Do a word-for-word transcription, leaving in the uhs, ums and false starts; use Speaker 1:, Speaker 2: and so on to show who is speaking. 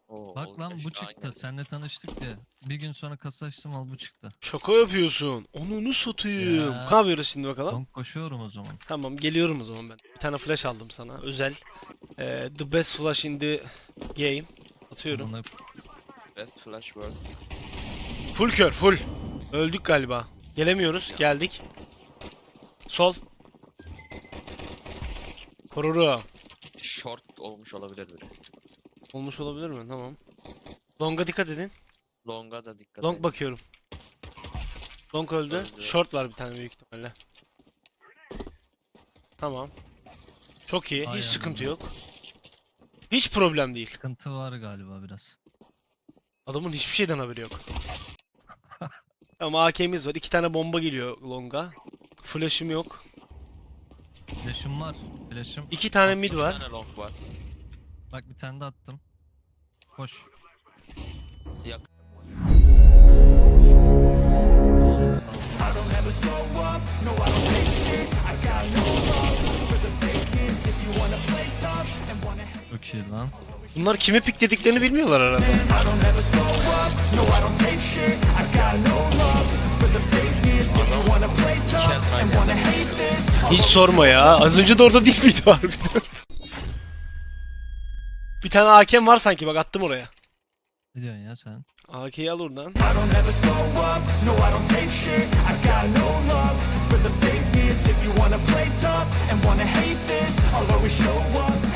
Speaker 1: Oo,
Speaker 2: Bak
Speaker 1: oldu
Speaker 2: lan
Speaker 1: ya,
Speaker 2: bu
Speaker 1: işte
Speaker 2: çıktı.
Speaker 1: aynen.
Speaker 2: Seninle tanıştık ya. Bir gün sonra kasa açtım al bu çıktı.
Speaker 3: Şaka yapıyorsun. Onunu satayım.
Speaker 2: Ya.
Speaker 3: Ne yapıyoruz şimdi bakalım?
Speaker 2: Long koşuyorum o zaman.
Speaker 3: Tamam, geliyorum o zaman ben. Bir tane flash aldım sana. Özel. Ee, the best flash in the game. Atıyorum.
Speaker 2: Buna
Speaker 1: Best flash world.
Speaker 3: Full kör full. Öldük galiba. Gelemiyoruz. Geldik. Sol. Koruru.
Speaker 1: Short olmuş olabilir biri.
Speaker 3: Olmuş olabilir mi? Tamam. Long'a dikkat edin.
Speaker 1: Long'a da dikkat
Speaker 3: Long
Speaker 1: edin.
Speaker 3: bakıyorum. Long öldü.
Speaker 1: Öldü.
Speaker 3: Short var bir tane büyük ihtimalle. Tamam. Çok iyi. Hiç
Speaker 2: Ay
Speaker 3: sıkıntı
Speaker 2: anladım.
Speaker 3: yok. Hiç problem değil.
Speaker 2: sıkıntı var galiba biraz.
Speaker 3: Adamın hiçbir şeyden haberi yok. Ama A K'miz var. İki tane bomba geliyor Long'a. Flash'ım yok.
Speaker 2: Flash'ım var. Flash'ım.
Speaker 3: İki tane mid
Speaker 1: Bir
Speaker 3: var.
Speaker 1: tane long var.
Speaker 2: Bak bir tane de attım. Koş.
Speaker 1: Yak.
Speaker 2: Tamam, sağ ol. Çok iyi lan.
Speaker 3: Bunlar kimi piklediklerini bilmiyorlar herhalde.
Speaker 1: İki el aynı anda.
Speaker 3: Hiç sorma ya. Az önce de orada değil miydi harbiden? Bir tane A K'm var sanki, bak attım oraya.
Speaker 2: Ne diyorsun ya sen?
Speaker 3: A K'yi al oradan.
Speaker 4: If you wanna play tough and wanna hate this, I'll always show up.